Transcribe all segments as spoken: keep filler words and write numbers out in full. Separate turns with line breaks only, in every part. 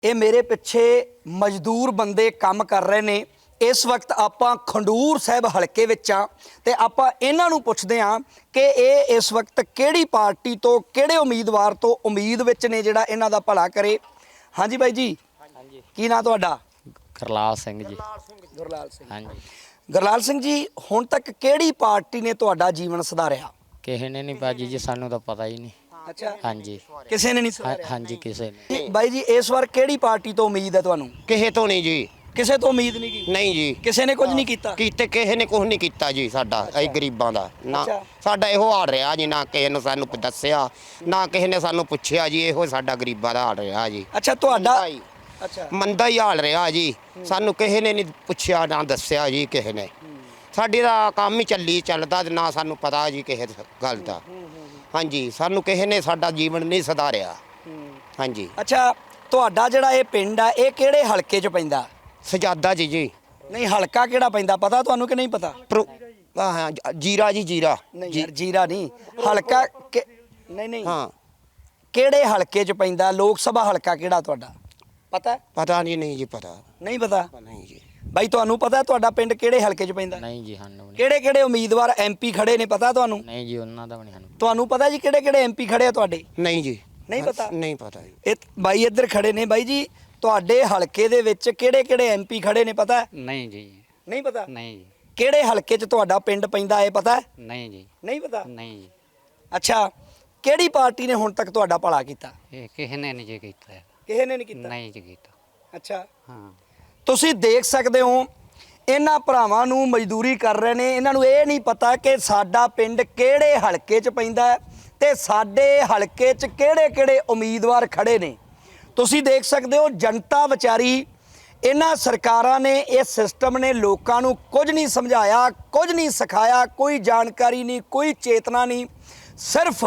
ਇਹ ਮੇਰੇ ਪਿੱਛੇ ਮਜ਼ਦੂਰ ਬੰਦੇ ਕੰਮ ਕਰ ਰਹੇ ਨੇ। ਇਸ ਵਕਤ ਆਪਾਂ ਖੰਡੂਰ ਸਾਹਿਬ ਹਲਕੇ ਵਿੱਚ ਆ ਤੇ ਆਪਾਂ ਇਹਨਾਂ ਨੂੰ ਪੁੱਛਦੇ ਹਾਂ ਕਿ ਇਹ ਇਸ ਵਕਤ ਕਿਹੜੀ ਪਾਰਟੀ ਤੋਂ ਕਿਹੜੇ ਉਮੀਦਵਾਰ ਤੋਂ ਉਮੀਦ ਵਿੱਚ ਨੇ ਜਿਹੜਾ ਇਹਨਾਂ ਦਾ ਭਲਾ ਕਰੇ। ਹਾਂਜੀ ਬਾਈ ਜੀ,
ਹਾਂਜੀ
ਕੀ ਨਾਂ ਤੁਹਾਡਾ?
ਗੁਰਲਾਲ ਸਿੰਘ ਜੀ।
ਗੁਰਲਾਲ ਸਿੰਘ।
ਹਾਂਜੀ।
ਗੁਰਲਾਲ ਸਿੰਘ ਜੀ, ਹੁਣ ਤੱਕ ਕਿਹੜੀ ਪਾਰਟੀ ਨੇ ਤੁਹਾਡਾ ਜੀਵਨ ਸੁਧਾਰਿਆ?
ਕਿਸੇ ਨੇ ਨਹੀਂ ਬਾਜੀ ਜੀ, ਸਾਨੂੰ ਤਾਂ ਪਤਾ ਹੀ ਨਹੀਂ।
ਅੱਛਾ,
ਹਾਂਜੀ
ਕਿਸੇ ਨੇ ਨਹੀਂ
ਹਾਂ-
ਸੁਧਾਰਿਆ?
ਹਾਂਜੀ ਕਿਸੇ ਨੇ।
ਬਾਈ ਜੀ, ਇਸ ਵਾਰ ਕਿਹੜੀ ਪਾਰਟੀ ਤੋਂ ਉਮੀਦ ਹੈ ਤੁਹਾਨੂੰ?
ਕਿਸੇ ਤੋਂ ਨਹੀਂ ਜੀ।
ਕਿਸੇ ਤੋਂ ਉਮੀਦ ਨਹੀਂ ਕੀ?
ਨਹੀਂ ਜੀ,
ਕਿਸੇ ਨੇ ਕੁਝ ਨਹੀਂ ਕੀਤਾ?
ਕੀਤੇ ਕਿਸੇ ਨੇ ਕੁਝ ਨਹੀਂ ਕੀਤਾ ਜੀ ਸਾਡਾ, ਅਸੀਂ ਗਰੀਬਾਂ ਦਾ ਨਾ।
ਅੱਛਾ।
ਸਾਡਾ ਇਹੋ ਹਾਲ ਰਿਹਾ ਜੀ, ਨਾ ਕਿਸੇ ਨੇ ਸਾਨੂੰ ਦੱਸਿਆ, ਨਾ ਕਿਸੇ ਨੇ ਸਾਨੂੰ ਪੁੱਛਿਆ ਜੀ। ਇਹੋ ਸਾਡਾ ਗਰੀਬਾਂ ਦਾ ਹਾਲ ਰਿਹਾ ਜੀ।
ਅੱਛਾ, ਤੁਹਾਡਾ
ਮੰਦਾ ਹੀ-
ਅੱਛਾ
ਮੰਦਾ ਹੀ ਹਾਲ ਰਿਹਾ ਜੀ। ਸਾਨੂੰ ਕਿਸੇ ਨੇ ਨਹੀਂ ਪੁੱਛਿਆ, ਨਾ ਦੱਸਿਆ ਜੀ ਕਿਸੇ ਨੇ। ਸਾਡੀ ਦਾ ਕੰਮ ਹੀ ਚੱਲੀ ਚੱਲਦਾ, ਨਾ ਸਾਨੂੰ ਪਤਾ ਜੀ ਕਿਸੇ ਗੱਲ ਦਾ। ਹਾਂਜੀ, ਸਾਨੂੰ ਕਿਸੇ ਨੇ ਸਾਡਾ ਜੀਵਨ ਨਹੀਂ ਸੁਧਾਰਿਆ। ਹਾਂਜੀ।
ਅੱਛਾ, ਤੁਹਾਡਾ ਜਿਹੜਾ ਇਹ ਪਿੰਡ ਆ ਇਹ ਕਿਹੜੇ ਹਲਕੇ 'ਚ ਪੈਂਦਾ?
ਸਜਾਦਾ ਜੀ ਜੀ
ਨਹੀਂ, ਹਲਕਾ ਕਿਹੜਾ ਪੈਂਦਾ ਪਤਾ ਤੁਹਾਨੂੰ ਕਿ ਨਹੀਂ ਪਤਾ?
ਪਰ- ਹਾਂ ਹਾਂ, ਜ- ਜੀਰਾ ਜੀ ਜੀਰਾ
ਨਹੀਂ
ਜੀ।
ਯਾਰ, ਜੀਰਾ ਨਹੀਂ, ਹਲਕਾ ਕਿ- ਨਹੀਂ ਨਹੀਂ
ਹਾਂ,
ਕਿਹੜੇ ਹਲਕੇ 'ਚ ਪੈਂਦਾ? ਲੋਕ ਸਭਾ ਹਲਕਾ ਕਿਹੜਾ ਤੁਹਾਡਾ ਪਤਾ?
ਪਤਾ ਨਹੀਂ ਨਹੀਂ ਜੀ, ਪਤਾ
ਨਹੀਂ ਪਤਾ?
ਨਹੀਂ ਜੀ।
ਬਾਈ, ਤੁਹਾਨੂੰ ਪਤਾ ਤੁਹਾਡਾ ਪਿੰਡ ਕਿਹੜੇ ਹਲਕੇ 'ਚ ਪੈਂਦਾ?
ਨਹੀਂ ਜੀ, ਸਾਨੂੰ ਵੀ ਨਹੀਂ।
ਕਿਹੜੇ ਕਿਹੜੇ ਉਮੀਦਵਾਰ ਐਮਪੀ ਖੜੇ ਨੇ ਪਤਾ ਤੁਹਾਨੂੰ?
ਨਹੀਂ ਜੀ, ਉਹਨਾਂ ਦਾ ਵੀ ਨਹੀਂ ਸਾਨੂੰ।
ਤੁਹਾਨੂੰ ਪਤਾ ਜੀ ਕਿਹੜੇ ਕਿਹੜੇ ਐਮਪੀ ਖੜੇ ਆ ਤੁਹਾਡੇ?
ਨਹੀਂ ਜੀ,
ਨਹੀਂ ਪਤਾ?
ਨਹੀਂ ਪਤਾ ਜੀ।
ਇਹ ਬਾਈ ਇੱਧਰ ਖੜੇ ਨੇ। ਬਾਈ ਜੀ, ਤੁਹਾਡੇ ਹਲਕੇ ਦੇ ਵਿੱਚ ਕਿਹੜੇ ਕਿਹੜੇ ਐਮਪੀ ਖੜੇ ਨੇ ਪਤਾ?
ਨਹੀਂ ਜੀ।
ਨਹੀਂ ਪਤਾ?
ਨਹੀਂ ਜੀ।
ਕਿਹੜੇ ਹਲਕੇ 'ਚ ਤੁਹਾਡਾ ਪਿੰਡ ਪੈਂਦਾ ਇਹ ਪਤਾ?
ਨਹੀਂ ਜੀ।
ਨਹੀਂ ਪਤਾ?
ਨਹੀਂ ਜੀ,
ਅੱਛਾ, ਕਿਹੜੀ ਪਾਰਟੀ ਨੇ ਹੁਣ ਤੱਕ ਤੁਹਾਡਾ ਭਲਾ ਕੀਤਾ?
ਇਹ ਕਿਸੇ ਨੇ ਨਹੀਂ ਜੀ ਕੀਤਾ।
ਕਿਸੇ ਨੇ ਨਹੀਂ ਕੀਤਾ?
ਨਹੀਂ ਜੀ ਕੀਤਾ।
ਅੱਛਾ,
ਹਾਂ।
ਤੁਸੀਂ ਦੇਖ ਸਕਦੇ ਹੋ ਇਹਨਾਂ ਭਰਾਵਾਂ ਨੂੰ ਮਜ਼ਦੂਰੀ ਕਰ ਰਹੇ ਨੇ। ਇਹਨਾਂ ਨੂੰ ਇਹ ਨਹੀਂ ਪਤਾ ਕਿ ਸਾਡਾ ਪਿੰਡ ਕਿਹੜੇ ਹਲਕੇ 'ਚ ਪੈਂਦਾ ਹੈ ਤੇ ਸਾਡੇ ਹਲਕੇ 'ਚ ਕਿਹੜੇ ਕਿਹੜੇ ਉਮੀਦਵਾਰ ਖੜੇ ਨੇ। ਤੁਸੀਂ ਦੇਖ ਸਕਦੇ ਹੋ ਜਨਤਾ ਵਿਚਾਰੀ, ਇਹਨਾਂ ਸਰਕਾਰਾਂ ਨੇ, ਇਸ ਸਿਸਟਮ ਨੇ ਲੋਕਾਂ ਨੂੰ ਕੁਝ ਨਹੀਂ ਸਮਝਾਇਆ, ਕੁਝ ਨਹੀਂ ਸਿਖਾਇਆ, ਕੋਈ ਜਾਣਕਾਰੀ ਨਹੀਂ, ਕੋਈ ਚੇਤਨਾ ਨਹੀਂ। ਸਿਰਫ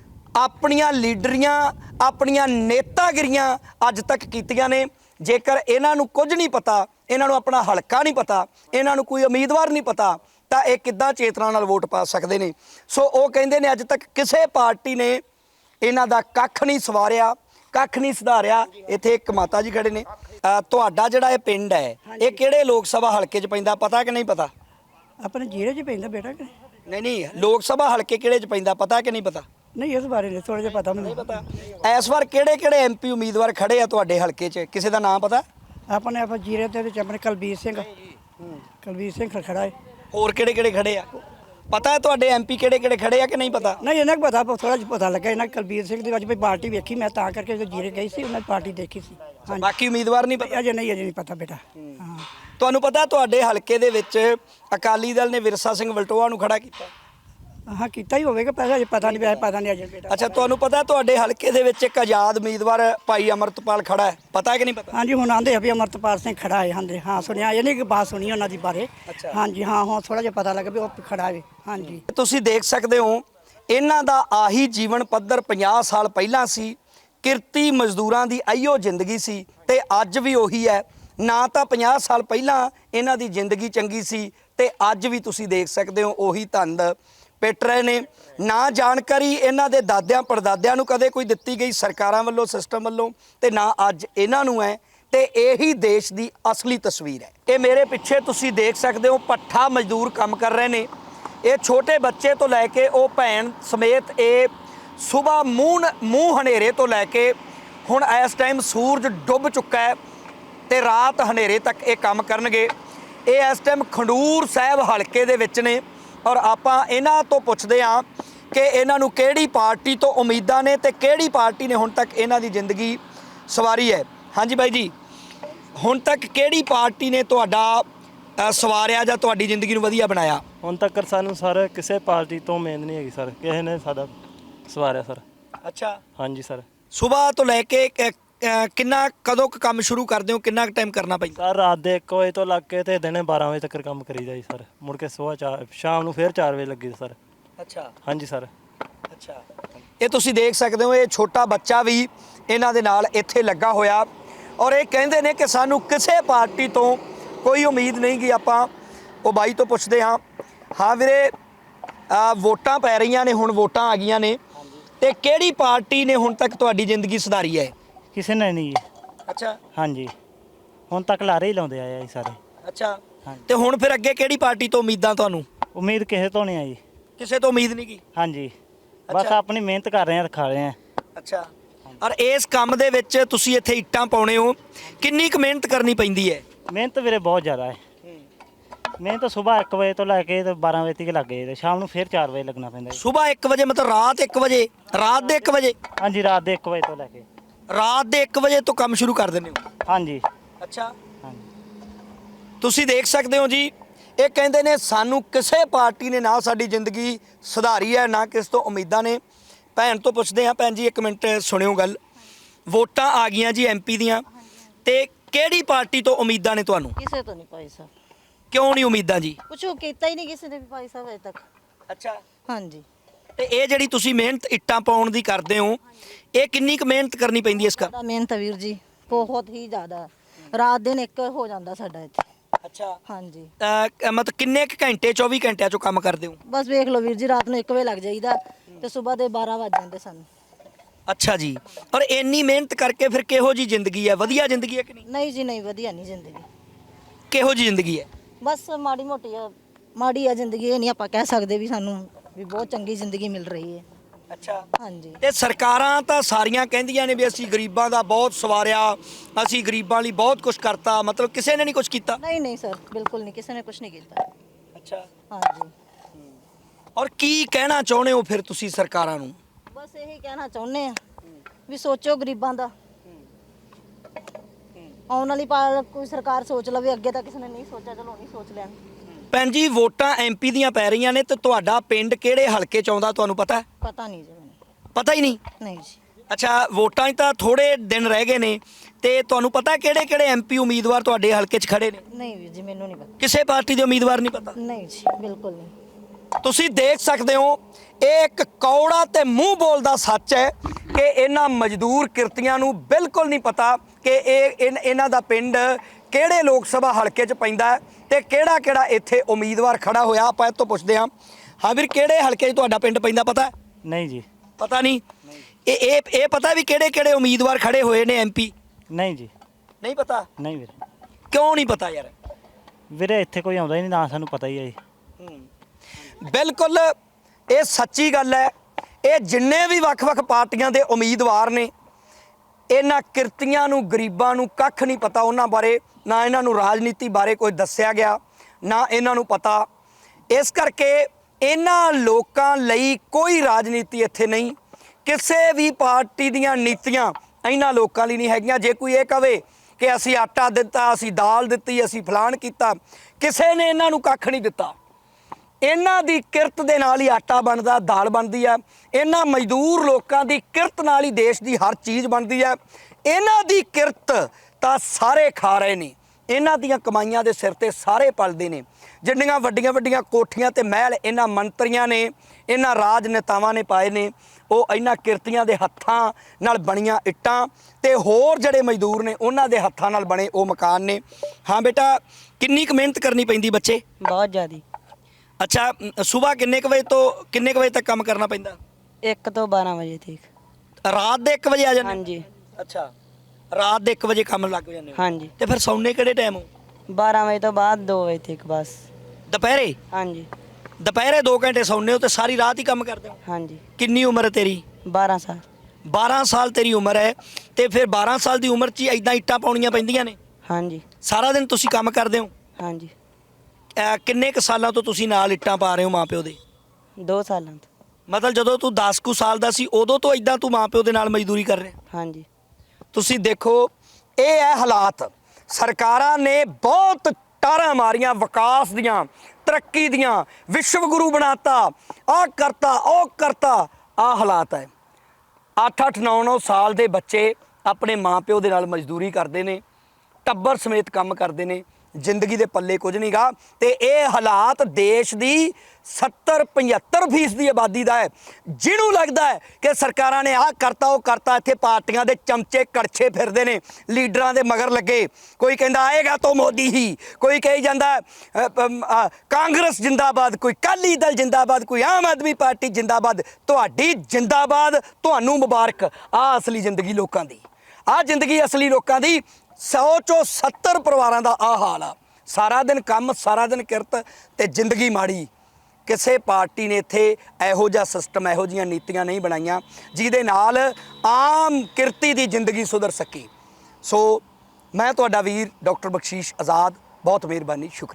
ਆਪਣੀਆਂ ਲੀਡਰੀਆਂ, ਆਪਣੀਆਂ ਨੇਤਾਗਿਰੀਆਂ ਅੱਜ ਤੱਕ ਕੀਤੀਆਂ ਨੇ। ਜੇਕਰ ਇਹਨਾਂ ਨੂੰ ਕੁਝ ਨਹੀਂ ਪਤਾ, ਇਹਨਾਂ ਨੂੰ ਆਪਣਾ ਹਲਕਾ ਨਹੀਂ ਪਤਾ, ਇਹਨਾਂ ਨੂੰ ਕੋਈ ਉਮੀਦਵਾਰ ਨਹੀਂ ਪਤਾ, ਤਾਂ ਇਹ ਕਿੱਦਾਂ ਚੇਤਨਾ ਨਾਲ ਵੋਟ ਪਾ ਸਕਦੇ ਨੇ? ਸੋ ਉਹ ਕਹਿੰਦੇ ਨੇ ਅੱਜ ਤੱਕ ਕਿਸੇ ਪਾਰਟੀ ਨੇ ਇਹਨਾਂ ਦਾ ਕੱਖ ਨਹੀਂ ਸਵਾਰਿਆ, ਕੱਖ ਨਹੀਂ ਸੁਧਾਰਿਆ। ਇੱਥੇ ਇੱਕ ਮਾਤਾ ਜੀ ਖੜੇ ਨੇ। ਅ, ਤੁਹਾਡਾ ਜਿਹੜਾ ਇਹ ਪਿੰਡ ਹੈ ਇਹ ਕਿਹੜੇ ਲੋਕ ਸਭਾ ਹਲਕੇ 'ਚ ਪੈਂਦਾ ਪਤਾ ਕਿ ਨਹੀਂ ਪਤਾ?
ਆਪਣੇ ਜੀਰੇ 'ਚ ਪੈਂਦਾ ਬੇਟਾ ਕਿ
ਨਹੀਂ ਨਹੀਂ, ਲੋਕ ਸਭਾ ਹਲਕੇ ਕਿਹੜੇ 'ਚ ਪੈਂਦਾ ਪਤਾ ਕਿ ਨਹੀਂ ਪਤਾ?
ਨਹੀਂ, ਇਸ ਬਾਰੇ ਨਹੀਂ ਥੋੜਾ ਜਿਹਾ ਪਤਾ ਮੈਨੂੰ।
ਪਤਾ। ਇਸ ਵਾਰ ਕਿਹੜੇ ਕਿਹੜੇ ਐਮਪੀ ਉਮੀਦਵਾਰ ਖੜੇ ਆ ਤੁਹਾਡੇ ਹਲਕੇ 'ਚ? ਕਿਸੇ ਦਾ ਨਾਮ ਪਤਾ?
ਆਪਣੇ ਆਪ ਜੀਰੇ ਦੇ ਵਿੱਚ ਆਪਣੇ ਕੁਲਬੀਰ ਸਿੰਘ ਕੁਲਬੀਰ ਸਿੰਘ ਖੜਾ ਹੈ।
ਹੋਰ ਕਿਹੜੇ ਕਿਹੜੇ ਖੜੇ ਆ ਪਤਾ ਹੈ ਤੁਹਾਡੇ? ਐਮਪੀ ਕਿਹੜੇ ਕਿਹੜੇ ਖੜੇ ਆ ਕਿ ਨਹੀਂ ਪਤਾ?
ਨਹੀਂ, ਇਹਨਾਂ ਨੂੰ ਪਤਾ, ਥੋੜਾ ਜਿਹਾ ਪਤਾ ਲੱਗਾ। ਇਹਨਾਂ ਕੁਲਬੀਰ ਸਿੰਘ ਦੀ ਅੱਜ ਵੀ ਪਾਰਟੀ ਵੇਖੀ ਮੈਂ, ਤਾਂ ਕਰਕੇ ਜਦੋਂ ਜੀਰੇ ਗਈ ਸੀ ਉਹਨਾਂ ਦੀ ਪਾਰਟੀ ਦੇਖੀ ਸੀ। ਹਾਂਜੀ,
ਬਾਕੀ ਉਮੀਦਵਾਰ ਨਹੀਂ ਪਤਾ?
ਅਜੇ ਨਹੀਂ, ਅਜੇ ਨਹੀਂ ਪਤਾ ਬੇਟਾ। ਹਾਂ,
ਤੁਹਾਨੂੰ ਪਤਾ ਤੁਹਾਡੇ ਹਲਕੇ ਦੇ ਵਿੱਚ ਅਕਾਲੀ ਦਲ ਨੇ ਵਿਰਸਾ ਸਿੰਘ ਵਲਟੋਆ ਨੂੰ ਖੜਾ ਕੀਤਾ?
ਹਾਂ ਕੀਤਾ ਹੀ ਹੋਵੇਗਾ, ਪਹਿਲਾਂ ਅਜੇ ਪਤਾ ਨਹੀਂ, ਪਤਾ ਨਹੀਂ ਅਜੇ ਬੇਟਾ।
ਅੱਛਾ, ਤੁਹਾਨੂੰ ਪਤਾ ਤੁਹਾਡੇ ਹਲਕੇ ਦੇ ਵਿੱਚ ਇੱਕ ਆਜ਼ਾਦ ਉਮੀਦਵਾਰ ਭਾਈ ਅਮਰਤਪਾਲ ਖੜਾ ਹੈ, ਪਤਾ ਕਿ ਨਹੀਂ ਪਤਾ?
ਹਾਂਜੀ, ਹੁਣ ਆਂਦੇ ਆ ਵੀ ਅਮਰਤਪਾਲ ਸਿੰਘ ਖੜਾ ਹੈ। ਹਾਂਜੀ, ਹਾਂ ਸੁਣਿਆ, ਇਹ ਨਹੀਂ ਕਿ ਬਾਤ ਸੁਣੀ ਉਹਨਾਂ ਦੀ ਬਾਰੇ।
ਅੱਛਾ।
ਹਾਂਜੀ, ਹਾਂ ਹਾਂ ਥੋੜਾ ਜਿਹਾ ਪਤਾ ਲੱਗਾ ਵੀ ਉਹ ਖੜਾ ਹੈ। ਹਾਂਜੀ,
ਤੁਸੀਂ ਦੇਖ ਸਕਦੇ ਹੋ ਇਹਨਾਂ ਦਾ ਆਹੀ ਜੀਵਨ ਪੱਧਰ ਪੰਜਾਹ ਸਾਲ ਪਹਿਲਾਂ ਸੀ। ਕਿਰਤੀ ਮਜ਼ਦੂਰਾਂ ਦੀ ਆਈਓ ਜ਼ਿੰਦਗੀ ਸੀ ਤੇ ਅੱਜ ਵੀ ਉਹੀ ਹੈ। ਨਾ ਤਾਂ ਪੰਜਾਹ ਸਾਲ ਪਹਿਲਾਂ ਇਹਨਾਂ ਦੀ ਜ਼ਿੰਦਗੀ ਚੰਗੀ ਸੀ ਤੇ ਅੱਜ ਵੀ ਤੁਸੀਂ ਦੇਖ ਸਕਦੇ ਹੋ ਉਹੀ ਧੰਦ ਪਿੱਟ ਰਹੇ ਨੇ। ਨਾ ਜਾਣਕਾਰੀ ਇਹਨਾਂ ਦੇ ਦਾਦਿਆਂ ਪੜਦਾਦਿਆਂ ਨੂੰ ਕਦੇ ਕੋਈ ਦਿੱਤੀ ਗਈ ਸਰਕਾਰਾਂ ਵੱਲੋਂ, ਸਿਸਟਮ ਵੱਲੋਂ, ਤੇ ਨਾ ਅੱਜ ਇਹਨਾਂ ਨੂੰ ਹੈ। ਤੇ ਇਹੀ ਦੇਸ਼ ਦੀ ਅਸਲੀ ਤਸਵੀਰ ਹੈ। ਇਹ ਮੇਰੇ ਪਿੱਛੇ ਤੁਸੀਂ ਦੇਖ ਸਕਦੇ ਹੋ ਪੱਠਾ ਮਜ਼ਦੂਰ ਕੰਮ ਕਰ ਰਹੇ ਨੇ। ਇਹ ਛੋਟੇ ਬੱਚੇ ਤੋਂ ਲੈ ਕੇ ਉਹ ਭੈਣ ਸਮੇਤ ਇਹ ਸਵੇਰ ਮੂੰਹ ਮੂੰਹ ਹਨੇਰੇ ਤੋਂ ਲੈ ਕੇ ਹੁਣ ਇਸ ਟਾਈਮ ਸੂਰਜ ਡੁੱਬ ਚੁੱਕਾ ਹੈ ਤੇ ਰਾਤ ਹਨੇਰੇ ਤੱਕ ਇਹ ਕੰਮ ਕਰਨਗੇ। ਇਹ ਇਸ ਟਾਈਮ ਖੰਡੂਰ ਸਾਹਿਬ ਹਲਕੇ ਦੇ ਵਿੱਚ ਨੇ ਔਰ ਆਪਾਂ ਇਹਨਾਂ ਤੋਂ ਪੁੱਛਦੇ ਹਾਂ ਕਿ ਇਹਨਾਂ ਨੂੰ ਕਿਹੜੀ ਪਾਰਟੀ ਤੋਂ ਉਮੀਦਾਂ ਨੇ ਤੇ ਕਿਹੜੀ ਪਾਰਟੀ ਨੇ ਹੁਣ ਤੱਕ ਇਹਨਾਂ ਦੀ ਜ਼ਿੰਦਗੀ ਸਵਾਰੀ ਹੈ। ਹਾਂਜੀ ਬਾਈ ਜੀ, ਹੁਣ ਤੱਕ ਕਿਹੜੀ ਪਾਰਟੀ ਨੇ ਤੁਹਾਡਾ ਅ, ਸਵਾਰਿਆ ਜਾਂ ਤੁਹਾਡੀ ਜ਼ਿੰਦਗੀ ਨੂੰ ਵਧੀਆ ਬਣਾਇਆ?
ਹੁਣ ਤੱਕ ਸਾਨੂੰ ਸਰ ਕਿਸੇ ਪਾਰਟੀ ਤੋਂ ਉਮੀਦ ਨਹੀਂ ਹੈਗੀ ਸਰ, ਕਿਸੇ ਨੇ ਸਾਡਾ ਸਵਾਰਿਆ ਸਰ।
ਅੱਛਾ,
ਹਾਂਜੀ ਸਰ।
ਸਵੇਰ ਤੋਂ ਲੈ ਕੇ ਕ- ਅ, ਕਿੰਨਾ ਕਦੋਂ ਕੁ ਕੰਮ ਸ਼ੁਰੂ ਕਰਦੇ ਹੋ? ਕਿੰਨਾ ਕੁ ਟਾਈਮ ਕਰਨਾ ਪੈਂਦਾ?
ਸਰ ਰਾਤ ਦੇ ਇੱਕ ਵਜੇ ਤੋਂ ਲੱਗ ਕੇ ਤੇ ਦਿਨੇ ਬਾਰਾਂ ਵਜੇ ਤੱਕ ਕੰਮ ਕਰੀਦਾ ਜੀ ਸਰ। ਮੁੜ ਕੇ ਸਵੇਰ ਚਾਰ ਸ਼ਾਮ ਨੂੰ ਫਿਰ ਚਾਰ ਵਜੇ ਲੱਗੀ ਸਰ।
ਅੱਛਾ
ਹਾਂਜੀ ਸਰ।
ਅੱਛਾ, ਇਹ ਤੁਸੀਂ ਦੇਖ ਸਕਦੇ ਹੋ ਇਹ ਛੋਟਾ ਬੱਚਾ ਵੀ ਇਹਨਾਂ ਦੇ ਨਾਲ ਇੱਥੇ ਲੱਗਾ ਹੋਇਆ ਔਰ ਇਹ ਕਹਿੰਦੇ ਨੇ ਕਿ ਸਾਨੂੰ ਕਿਸੇ ਪਾਰਟੀ ਤੋਂ ਕੋਈ ਉਮੀਦ ਨਹੀਂ ਗੀ। ਆਪਾਂ ਉਹ ਬਾਈ ਤੋਂ ਪੁੱਛਦੇ ਹਾਂ। ਹਾਂ ਵੀਰੇ, ਅ, ਵੋਟਾਂ ਪੈ ਰਹੀਆਂ ਨੇ, ਹੁਣ ਵੋਟਾਂ ਆ ਗਈਆਂ ਨੇ ਤੇ ਕਿਹੜੀ ਪਾਰਟੀ ਨੇ ਹੁਣ ਤੱਕ ਤੁਹਾਡੀ ਜ਼ਿੰਦਗੀ ਸੁਧਾਰੀ ਹੈ?
ਕਿਸੇ ਨੇ ਨਹੀਂ ਜੀ।
ਅੱਛਾ
ਹਾਂਜੀ ਹੁਣ ਤੱਕ ਲਾਰੇ ਹੀ ਲਾਉਂਦੇ ਆਏ ਆ ਜੀ ਸਾਰੇ।
ਅੱਛਾ
ਹਾਂਜੀ।
ਤੇ ਹੁਣ ਫਿਰ ਅੱਗੇ ਕਿਹੜੀ ਪਾਰਟੀ ਤੋਂ ਉਮੀਦਾਂ ਤੁਹਾਨੂੰ?
ਉਮੀਦ ਕਿਸੇ ਤੋਂ ਨਹੀਂ ਆ ਜੀ।
ਕਿਸੇ ਤੋਂ ਉਮੀਦ ਨਹੀਂ ਗੀ?
ਹਾਂਜੀ ਬਸ
ਅੱਛਾ।
ਆਪਣੀ ਮਿਹਨਤ ਕਰ ਰਹੇ ਆ, ਰਖਾ ਰਹੇ ਆ।
ਅੱਛਾ। ਔਰ ਇਸ ਕੰਮ ਦੇ ਵਿੱਚ ਤੁਸੀਂ ਇੱਥੇ ਇੱਟਾਂ ਪਾਉਣੇ ਹੋ, ਕਿੰਨੀ ਕੁ ਮਿਹਨਤ ਕਰਨੀ ਪੈਂਦੀ ਹੈ?
ਮਿਹਨਤ ਵੀਰੇ ਬਹੁਤ ਜ਼ਿਆਦਾ ਹੈ। ਮਿਹਨਤ ਸਵੇਰ ਇੱਕ ਵਜੇ ਤੋਂ ਲੈ ਕੇ ਤੇ ਬਾਰਾਂ ਵਜੇ ਤੱਕ ਲੱਗ ਗਏ ਤੇ ਸ਼ਾਮ ਨੂੰ ਫਿਰ ਚਾਰ ਵਜੇ ਲੱਗਣਾ ਪੈਂਦਾ ਜੀ।
ਸਵੇਰ ਇੱਕ ਵਜੇ ਮਤਲਬ ਰਾਤ ਇੱਕ ਵਜੇ? ਰਾਤ ਦੇ ਇੱਕ ਵਜੇ?
ਹਾਂਜੀ ਰਾਤ ਦੇ ਇੱਕ ਵਜੇ ਤੋਂ ਲੈ ਕੇ
ਰਾਤ ਦੇ ਇੱਕ ਵਜੇ ਤੋਂ ਕੰਮ ਸ਼ੁਰੂ ਕਰ ਦਿੰਦੇ ਹੋ?
ਹਾਂਜੀ
ਅੱਛਾ।
ਹਾਂਜੀ
ਤੁਸੀਂ ਦੇਖ ਸਕਦੇ ਹੋ ਜੀ, ਇਹ ਕਹਿੰਦੇ ਨੇ ਸਾਨੂੰ ਕਿਸੇ ਪਾਰਟੀ ਨੇ ਨਾ ਸਾਡੀ ਜ਼ਿੰਦਗੀ ਸੁਧਾਰੀ ਹੈ ਨਾ ਕਿਸ ਤੋਂ ਉਮੀਦਾਂ ਨੇ। ਭੈਣ ਤੋਂ ਪੁੱਛਦੇ ਹਾਂ। ਭੈਣ ਜੀ ਇੱਕ ਮਿੰਟ ਸੁਣਿਓ ਗੱਲ। ਵੋਟਾਂ ਆ ਗਈਆਂ ਜੀ ਐਮਪੀ ਦੀਆਂ, ਤੇ ਕਿਹੜੀ ਪਾਰਟੀ ਤੋਂ ਉਮੀਦਾਂ ਨੇ ਤੁਹਾਨੂੰ?
ਕਿਸੇ ਤੋਂ ਨਹੀਂ ਭਾਈ ਸਾਹਿਬ,
ਕਿਉਂ ਨਹੀਂ ਉਮੀਦਾਂ ਜੀ?
ਕੁਛ ਕੀਤਾ ਹੀ ਨਹੀਂ ਕਿਸੇ ਨੇ ਵੀ ਭਾਈ ਸਾਹਿਬ ਅਜੇ ਤੱਕ।
ਅੱਛਾ।
ਹਾਂਜੀ
ਤੇ ਇਹ ਜਿਹੜੀ ਤੁਸੀਂ ਮਿਹਨਤ ਇੱਟਾਂ ਪਾਉਣ ਦੀ ਕਰਦੇ ਹੋ, ਇਹ ਕਿੰਨੀ ਕੁ ਮਿਹਨਤ ਕਰਨੀ ਪੈਂਦੀ ਹੈ ਇਸ ਕੰਮ?
ਦਾ ਮਿਹਨਤ ਵੀਰ ਜੀ ਬਹੁਤ ਹੀ ਜ਼ਿਆਦਾ, ਰਾਤ ਦਿਨ ਇੱਕ ਹੋ ਜਾਂਦਾ ਸਾਡਾ ਇੱਥੇ।
ਅੱਛਾ।
ਹਾਂਜੀ
ਅਹ ਮਤਲਬ ਕਿੰਨੇ ਕੁ ਘੰਟੇ ਚੌਵੀ ਘੰਟਿਆਂ ਚੋਂ ਕੰਮ ਕਰਦੇ ਹੋ?
ਬਸ ਵੇਖ ਲਓ ਵੀਰ ਜੀ, ਰਾਤ ਨੂੰ ਇੱਕ ਵਜੇ ਲੱਗ ਜਾਈਦਾ ਤੇ ਸਵੇਰ ਦੇ ਬਾਰਾਂ ਵੱਜ ਜਾਂਦੇ ਸਾਨੂੰ।
ਅੱਛਾ ਜੀ। ਔਰ ਇੰਨੀ ਮਿਹਨਤ ਕਰਕੇ ਫਿਰ ਕਿਹੋ ਜੀ ਜ਼ਿੰਦਗੀ ਹੈ? ਵਧੀਆ ਜ਼ਿੰਦਗੀ ਹੈ ਕਿ ਨਹੀਂ?
ਨਹੀਂ ਜੀ ਨਹੀਂ, ਵਧੀਆ ਨਹੀਂ ਜ਼ਿੰਦਗੀ।
ਕਿਹੋ ਜੀ ਜ਼ਿੰਦਗੀ ਹੈ?
ਬਸ ਮਾੜੀ ਮੋਟੀ ਆ, ਮਾੜੀ ਆ ਜ਼ਿੰਦਗੀ। ਇਹ ਨਹੀਂ ਆਪਾਂ ਕਹਿ ਸਕਦੇ ਵੀ ਸਾਨੂੰ ਵੀ ਬਹੁਤ ਚੰਗੀ ਜ਼ਿੰਦਗੀ ਮਿਲ ਰਹੀ ਹੈ।
ਅੱਛਾ।
ਹਾਂਜੀ
ਤੇ ਸਰਕਾਰਾਂ ਤਾਂ ਸਾਰੀਆਂ ਕਹਿੰਦੀਆਂ ਨੇ ਵੀ ਅਸੀਂ ਗਰੀਬਾਂ ਦਾ ਬਹੁਤ ਸਵਾਰਿਆ, ਅਸੀਂ ਗਰੀਬਾਂ ਲਈ ਬਹੁਤ ਕੁਝ ਕਰਤਾ, ਮਤਲਬ ਕਿਸੇ ਨੇ ਨਹੀਂ ਕੁਝ ਕੀਤਾ?
ਨਹੀਂ ਨਹੀਂ ਸਰ, ਬਿਲਕੁਲ ਨਹੀਂ, ਕਿਸੇ ਨੇ ਕੁਛ ਨਹੀਂ ਕੀਤਾ।
ਅੱਛਾ।
ਹਾਂਜੀ
ਔਰ ਕੀ ਕਹਿਣਾ ਚਾਹੁੰਦੇ ਹੋ ਫਿਰ ਤੁਸੀਂ ਸਰਕਾਰਾਂ ਨੂੰ?
ਬਸ ਇਹੀ ਕਹਿਣਾ ਚਾਹੁੰਦੇ ਆ ਵੀ ਸੋਚੋ ਗਰੀਬਾਂ ਦਾ। ਆਉਣ ਵਾਲੀ ਪਾ ਕੋਈ ਸਰਕਾਰ ਸੋਚ ਲਵੇ, ਅੱਗੇ ਤਾਂ ਕਿਸੇ ਨੇ ਨਹੀਂ ਸੋਚਿਆ, ਚਲੋ ਨਹੀਂ ਸੋਚ ਲੈਣ।
ਭੈਣ ਜੀ ਵੋਟਾਂ ਐਮਪੀ ਦੀਆਂ ਪੈ ਰਹੀਆਂ ਨੇ, ਤੇ ਤੁਹਾਡਾ ਪਿੰਡ ਕਿਹੜੇ ਹਲਕੇ ਚ ਆਉਂਦਾ ਤੁਹਾਨੂੰ ਪਤਾ ਹੈ?
ਪਤਾ ਨਹੀਂ ਜੀ ਮੈਨੂੰ।
ਪਤਾ ਹੀ ਨਹੀਂ?
ਨਹੀਂ ਜੀ।
ਅੱਛਾ। ਵੋਟਾਂ 'ਚ ਤਾਂ ਥੋੜੇ ਦਿਨ ਰਹਿ ਗਏ ਨੇ, ਤੇ ਤੁਹਾਨੂੰ ਪਤਾ ਕਿਹੜੇ ਕਿਹੜੇ ਐਮਪੀ ਉਮੀਦਵਾਰ ਤੁਹਾਡੇ ਹਲਕੇ 'ਚ ਖੜੇ ਨੇ?
ਨਹੀਂ ਵੀਰ ਜੀ ਮੈਨੂੰ ਨਹੀਂ ਪਤਾ।
ਕਿਸੇ ਪਾਰਟੀ ਦੇ ਉਮੀਦਵਾਰ ਨਹੀਂ ਪਤਾ?
ਨਹੀਂ ਜੀ ਬਿਲਕੁਲ ਨਹੀਂ।
ਤੁਸੀਂ ਦੇਖ ਸਕਦੇ ਹੋ, ਇਹ ਇੱਕ ਕੌੜਾ ਤੇ ਮੂੰਹ ਬੋਲਦਾ ਸੱਚ ਹੈ ਕਿ ਇਹਨਾਂ ਮਜ਼ਦੂਰ ਕਿਰਤੀਆਂ ਨੂੰ ਬਿਲਕੁਲ ਨਹੀਂ ਪਤਾ ਕਿ ਇਹ ਇਨ- ਇਹਨਾਂ ਦਾ ਪਿੰਡ ਕਿਹੜੇ ਲੋਕ ਸਭਾ ਹਲਕੇ 'ਚ ਪੈਂਦਾ ਹੈ ਤੇ ਕਿਹੜਾ ਕਿਹੜਾ ਇੱਥੇ ਉਮੀਦਵਾਰ ਖੜਾ ਹੋਇਆ। ਆਪਾਂ ਇਹ ਤੋਂ ਪੁੱਛਦੇ ਹਾਂ। ਹਾਂ ਵੀਰ, ਕਿਹੜੇ ਹਲਕੇ 'ਚ ਤੁਹਾਡਾ ਪਿੰਡ ਪੈਂਦਾ, ਪਤਾ ਹੈ?
ਨਹੀਂ ਜੀ।
ਪਤਾ ਨਹੀਂ? ਇਹ ਇਹ ਇਹ ਪਤਾ ਵੀ ਕਿਹੜੇ ਕਿਹੜੇ ਉਮੀਦਵਾਰ ਖੜੇ ਹੋਏ ਨੇ ਐਮਪੀ?
ਨਹੀਂ ਜੀ।
ਨਹੀਂ ਪਤਾ?
ਨਹੀਂ ਵੀਰੇ।
ਕਿਉਂ ਨਹੀਂ ਪਤਾ ਯਾਰ?
ਵੀਰੇ ਇੱਥੇ ਕੋਈ ਆਉਂਦਾ ਹੀ ਨਹੀਂ, ਨਾ ਸਾਨੂੰ ਪਤਾ ਹੀ ਹੈ ਜੀ।
ਬਿਲਕੁਲ ਇਹ ਸੱਚੀ ਗੱਲ ਹੈ। ਇਹ ਜਿੰਨੇ ਵੀ ਵੱਖ-ਵੱਖ ਪਾਰਟੀਆਂ ਦੇ ਉਮੀਦਵਾਰ ਨੇ, ਇਹਨਾਂ ਕਿਰਤੀਆਂ ਨੂੰ ਗਰੀਬਾਂ ਨੂੰ ਕੱਖ ਨਹੀਂ ਪਤਾ ਉਹਨਾਂ ਬਾਰੇ, ਨਾ ਇਹਨਾਂ ਨੂੰ ਰਾਜਨੀਤੀ ਬਾਰੇ ਕੋਈ ਦੱਸਿਆ ਗਿਆ, ਨਾ ਇਹਨਾਂ ਨੂੰ ਪਤਾ। ਇਸ ਕਰਕੇ ਇਹਨਾਂ ਲੋਕਾਂ ਲਈ ਕੋਈ ਰਾਜਨੀਤੀ ਇੱਥੇ ਨਹੀਂ। ਕਿਸੇ ਵੀ ਪਾਰਟੀ ਦੀਆਂ ਨੀਤੀਆਂ ਇਹਨਾਂ ਲੋਕਾਂ ਲਈ ਨਹੀਂ ਹੈਗੀਆਂ। ਜੇ ਕੋਈ ਇਹ ਕਵੇ ਕਿ ਅਸੀਂ ਆਟਾ ਦਿੱਤਾ, ਅਸੀਂ ਦਾਲ ਦਿੱਤੀ, ਅਸੀਂ ਫਲਾਣ ਕੀਤਾ, ਕਿਸੇ ਨੇ ਇਹਨਾਂ ਨੂੰ ਕੱਖ ਨਹੀਂ ਦਿੱਤਾ। ਇਹਨਾਂ ਦੀ ਕਿਰਤ ਦੇ ਨਾਲ ਹੀ ਆਟਾ ਬਣਦਾ, ਦਾਲ ਬਣਦੀ ਹੈ। ਇਹਨਾਂ ਮਜ਼ਦੂਰ ਲੋਕਾਂ ਦੀ ਕਿਰਤ ਨਾਲ ਹੀ ਦੇਸ਼ ਦੀ ਹਰ ਚੀਜ਼ ਬਣਦੀ ਹੈ। ਇਹਨਾਂ ਦੀ ਕਿਰਤ ਤਾਂ ਸਾਰੇ ਖਾ ਰਹੇ ਨੇ, ਇਹਨਾਂ ਦੀਆਂ ਕਮਾਈਆਂ ਦੇ ਸਿਰ ਤੇ ਸਾਰੇ ਪਲਦੇ ਨੇ। ਜਿੰਨੀਆਂ ਵੱਡੀਆਂ ਵੱਡੀਆਂ ਕੋਠੀਆਂ ਤੇ ਮਹਿਲ ਇਹਨਾਂ ਮੰਤਰੀਆਂ ਨੇ, ਇਹਨਾਂ ਰਾਜਨੇਤਾਵਾਂ ਨੇ ਪਾਏ ਨੇ, ਉਹ ਇਹਨਾਂ ਕਿਰਤੀਆਂ ਦੇ ਹੱਥਾਂ ਨਾਲ ਬਣੀਆਂ ਇੱਟਾਂ ਤੇ ਹੋਰ ਜਿਹੜੇ ਮਜ਼ਦੂਰ ਨੇ ਉਹਨਾਂ ਦੇ ਹੱਥਾਂ ਨਾਲ ਬਣੇ ਉਹ ਮਕਾਨ ਨੇ। ਹਾਂ ਬੇਟਾ, ਕਿੰਨੀ ਕੁ ਮਿਹਨਤ ਕਰਨੀ ਪੈਂਦੀ ਬੱਚੇ?
ਬਹੁਤ ਜ਼ਿਆਦੀ।
ਅੱਛਾ। ਸਵੇਰ ਕਿੰਨੇ ਕੁ ਵਜੇ ਤੋਂ ਕਿੰਨੇ ਕੁ ਵਜੇ ਤੱਕ ਕੰਮ ਕਰਨਾ ਪੈਂਦਾ?
ਇੱਕ ਤੋਂ ਬਾਰਾਂ ਵਜੇ ਤੱਕ।
ਰਾਤ ਦੇ ਇੱਕ ਵਜੇ ਆ ਜਾਂਦੇ?
ਹਾਂਜੀ
ਅੱਛਾ। ਰਾਤ ਦੇ ਇੱਕ ਵਜੇ ਕੰਮ ਲੱਗ ਜਾਂਦੇ ਹੋ?
ਹਾਂਜੀ।
ਤੇ ਫਿਰ ਸੌਂਦੇ ਕਿਹੜੇ ਟਾਈਮ ਹੋ?
ਬਾਰਾਂ ਵਜੇ ਤੋਂ ਬਾਅਦ ਦੋ ਵਜੇ ਤੱਕ ਬਸ।
ਦੁਪਹਿਰੇ?
ਹਾਂਜੀ
ਦੁਪਹਿਰੇ ਦੋ ਘੰਟੇ ਸੌਂਦੇ ਹੋ ਤੇ ਸਾਰੀ ਰਾਤ ਹੀ ਕੰਮ ਕਰਦੇ ਹੋ?
ਹਾਂਜੀ।
ਕਿੰਨੀ ਉਮਰ ਹੈ ਤੇਰੀ?
ਬਾਰਾਂ ਸਾਲ।
ਬਾਰਾਂ ਸਾਲ ਤੇਰੀ ਉਮਰ ਹੈ, ਤੇ ਫਿਰ ਬਾਰਾਂ ਸਾਲ ਦੀ ਉਮਰ 'ਚ ਹੀ ਐਦਾਂ ਇੱਟਾਂ ਪਾਉਣੀਆਂ ਪੈਂਦੀਆਂ ਨੇ?
ਹਾਂਜੀ
ਸਾਰਾ ਦਿਨ ਤੁਸੀਂ ਕੰਮ ਕਰਦੇ ਹੋ?
ਹਾਂਜੀ।
ਅਹ ਕਿੰਨੇ ਕੁ ਸਾਲਾਂ ਤੋਂ ਤੁਸੀਂ ਨਾਲ ਇੱਟਾਂ ਪਾ ਰਹੇ ਹੋ ਮਾਂ ਪਿਓ ਦੇ?
ਦੋ ਸਾਲਾਂ ਤੋਂ।
ਮਤਲਬ ਜਦੋਂ ਤੂੰ ਦਸ ਕੁ ਸਾਲ ਦਾ ਸੀ ਉਦੋਂ ਤੋਂ ਇਦਾਂ ਤੂੰ ਮਾਂ ਪਿਓ ਦੇ ਨਾਲ ਮਜ਼ਦੂਰੀ ਕਰ ਰਿਹਾ?
ਹਾਂਜੀ।
ਤੁਸੀਂ ਦੇਖੋ, ਇਹ ਹੈ ਹਾਲਾਤ। ਸਰਕਾਰਾਂ ਨੇ ਬਹੁਤ ਟਾਰਾਂ ਮਾਰੀਆਂ ਵਿਕਾਸ ਦੀਆਂ, ਤਰੱਕੀ ਦੀਆਂ, ਵਿਸ਼ਵ ਗੁਰੂ ਬਣਾਤਾ, ਆਹ ਕਰਤਾ, ਉਹ ਕਰਤਾ। ਆਹ ਹਾਲਾਤ ਹੈ। ਅੱਠ ਅੱਠ ਨੌ ਨੌ ਸਾਲ ਦੇ ਬੱਚੇ ਆਪਣੇ ਮਾਂ ਪਿਓ ਦੇ ਨਾਲ ਮਜ਼ਦੂਰੀ ਕਰਦੇ ਨੇ, ਟੱਬਰ ਸਮੇਤ ਕੰਮ ਕਰਦੇ ਨੇ, ਜ਼ਿੰਦਗੀ ਦੇ ਪੱਲੇ ਕੁਝ ਨਹੀਂ ਗਾ। ਤੇ ਇਹ ਹਾਲਾਤ ਦੇਸ਼ ਦੀ ਸੱਤਰ ਪਝੱਤਰ ਫੀਸਦੀ ਆਬਾਦੀ ਦਾ ਹੈ। ਜਿਹਨੂੰ ਲੱਗਦਾ ਹੈ ਕਿ ਸਰਕਾਰਾਂ ਨੇ ਆਹ ਕਰਤਾ ਉਹ ਕਰਤਾ, ਇੱਥੇ ਪਾਰਟੀਆਂ ਦੇ ਚਮਚੇ ਕੜਛੇ ਫਿਰਦੇ ਨੇ, ਲੀਡਰਾਂ ਦੇ ਮਗਰ ਲੱਗੇ। ਕੋਈ ਕਹਿੰਦਾ ਆਏਗਾ ਤਾਂ ਮੋਦੀ ਹੀ, ਕੋਈ ਕਹੀ ਜਾਂਦਾ ਕਾਂਗਰਸ ਜਿੰਦਾਬਾਦ, ਕੋਈ ਅਕਾਲੀ ਦਲ ਜਿੰਦਾਬਾਦ, ਕੋਈ ਆਮ ਆਦਮੀ ਪਾਰਟੀ ਜਿੰਦਾਬਾਦ। ਤੁਹਾਡੀ ਜਿੰਦਾਬਾਦ, ਤੁਹਾਨੂੰ ਮੁਬਾਰਕ। ਆਹ ਅਸਲੀ ਜ਼ਿੰਦਗੀ ਲੋਕਾਂ ਦੀ। ਆਹ ਜ਼ਿੰਦਗੀ ਅਸਲੀ ਲੋਕਾਂ ਦੀ। ਸੌ ਚੋਂ ਸੱਤਰ ਪਰਿਵਾਰਾਂ ਦਾ ਆਹ ਹਾਲ ਆ। ਸਾਰਾ ਦਿਨ ਕੰਮ, ਸਾਰਾ ਦਿਨ ਕਿਰਤ ਤੇ ਜ਼ਿੰਦਗੀ ਮਾੜੀ। ਕਿਸੇ ਪਾਰਟੀ ਨੇ ਇੱਥੇ ਇਹੋ ਜਿਹਾ ਸਿਸਟਮ, ਇਹੋ ਜਿਹੀਆਂ ਨੀਤੀਆਂ ਨਹੀਂ ਬਣਾਈਆਂ ਜਿਹਦੇ ਨਾਲ ਆਮ ਕਿਰਤੀ ਦੀ ਜ਼ਿੰਦਗੀ ਸੁਧਰ ਸਕੀ। ਸੋ ਮੈਂ ਤੁਹਾਡਾ ਵੀਰ ਡਾਕਟਰ ਬਖਸ਼ੀਸ਼ ਆਜ਼ਾਦ, ਬਹੁਤ ਮਿਹਰਬਾਨੀ, ਸ਼ੁਕਰੀਆ।